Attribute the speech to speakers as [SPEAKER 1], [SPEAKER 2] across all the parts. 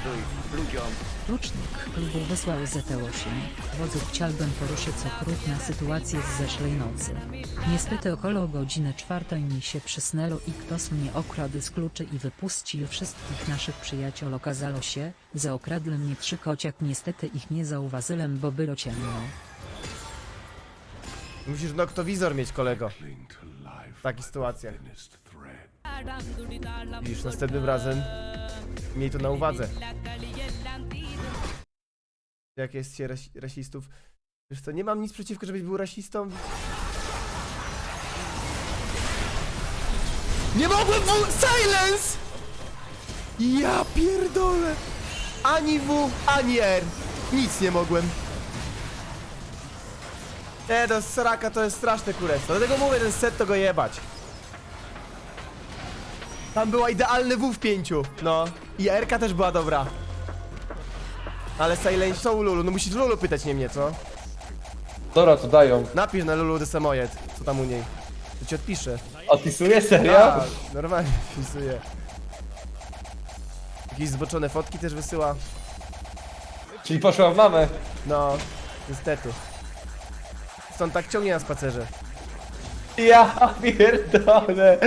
[SPEAKER 1] pokazuj ludziom.
[SPEAKER 2] Klucznik klubu wysłał ZT8. Wodzu, chciałbym poruszyć okrutna sytuację z zeszłej nocy. Niestety około godziny 4 mi się przysnęło i ktoś mnie okradł z kluczy i wypuścił wszystkich naszych przyjaciół. Okazało się, że okradł mnie 3 kociak. Niestety ich nie zauważyłem, bo było ciemno.
[SPEAKER 3] Musisz noktowizor mieć, kolego. W takich sytuacjach. Widzisz, następnym razem miej to na uwadze. Jak jest się rasistów? Wiesz co, nie mam nic przeciwko, żebyś był rasistą. Nie mogłem silence! Ja pierdolę! Ani W, ani R. Nic nie mogłem. To sraka to jest straszne kurestwo. Dlatego mówię, ten set to go jebać. Tam była idealny W w 5. No. I R-ka też była dobra. Ale Silence są u Lulu, no musisz Lulu pytać, nie mnie, co?
[SPEAKER 4] Dobra, to dają.
[SPEAKER 3] Napisz na Lulu Desamoyed, co tam u niej. To ci odpiszę.
[SPEAKER 4] Odpisuję? Serio?
[SPEAKER 3] Tak, normalnie wpisuję. Jakieś zboczone fotki też wysyła.
[SPEAKER 4] Czyli poszła w mamę.
[SPEAKER 3] No, niestety. Stąd tak ciągnie na spacerze.
[SPEAKER 4] Ja pierdolę.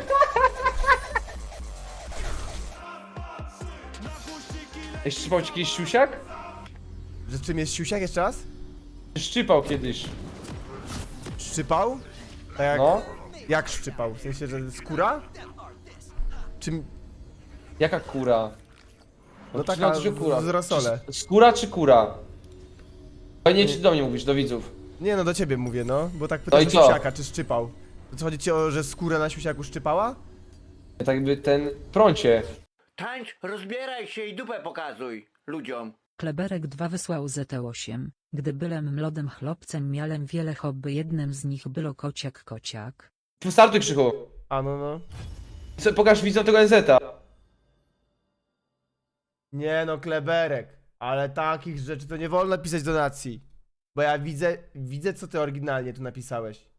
[SPEAKER 4] Szczypał ci kiedyś siusiak?
[SPEAKER 3] Że czym jest siusiak jeszcze raz?
[SPEAKER 4] Szczypał kiedyś.
[SPEAKER 3] Szczypał? Tak jak,
[SPEAKER 4] No.
[SPEAKER 3] jak szczypał? W sensie, że skóra? Czym?
[SPEAKER 4] Jaka kura?
[SPEAKER 3] No taka
[SPEAKER 4] Znaczy, że kura.
[SPEAKER 3] z rosole.
[SPEAKER 4] Skóra czy kura? Fajnie, czy do mnie mówisz, do widzów?
[SPEAKER 3] Nie no, do ciebie mówię, no. Bo tak
[SPEAKER 4] No
[SPEAKER 3] pytam
[SPEAKER 4] i
[SPEAKER 3] o
[SPEAKER 4] co?
[SPEAKER 3] siusiaka, czy szczypał. To co, chodzi ci o, że skóra na siusiaku szczypała?
[SPEAKER 4] Tak jakby ten prącie.
[SPEAKER 1] Tańcz, rozbieraj się i dupę pokazuj ludziom.
[SPEAKER 2] Kleberek 2 wysłał ZT8. Gdy byłem młodym chłopcem, miałem wiele hobby. Jednym z nich było kociak.
[SPEAKER 4] Startuj, Krzychu.
[SPEAKER 3] A no no.
[SPEAKER 4] Pokaż widzom tego NZ-a.
[SPEAKER 3] Nie no, Kleberek. Ale takich rzeczy to nie wolno pisać donacji. Bo ja widzę co ty oryginalnie tu napisałeś.